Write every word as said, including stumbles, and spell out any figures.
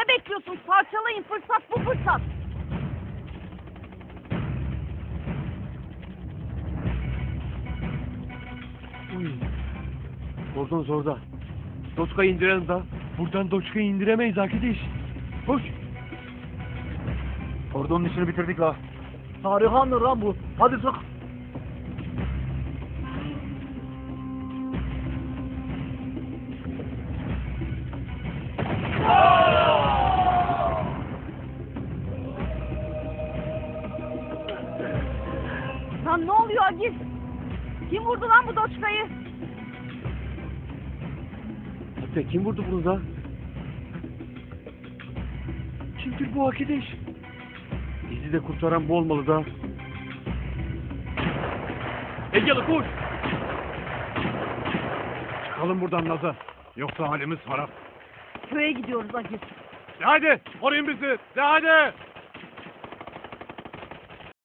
bekliyorsunuz? Parçalayın, fırsat bu fırsat. Uy. Oradan zorda. Doçka'yı indirelim da. Buradan Doçka'yı indiremeyiz arkadaş. Koş. Kordonun işini bitirdik la. Tarihandır lan bu. Hadi sık. Lan ne oluyor Agiz? Kim vurdu lan bu Doçka'yı? Hatta kim vurdu bunu da? Kimdir bu arkadaş? Bizi de kurtaran bu olmalı da. Egeli koş! Çıkalım buradan Nazan. Yoksa halimiz harap. Köye gidiyoruz Agiz. De hadi! Koruyun bizi! De hadi!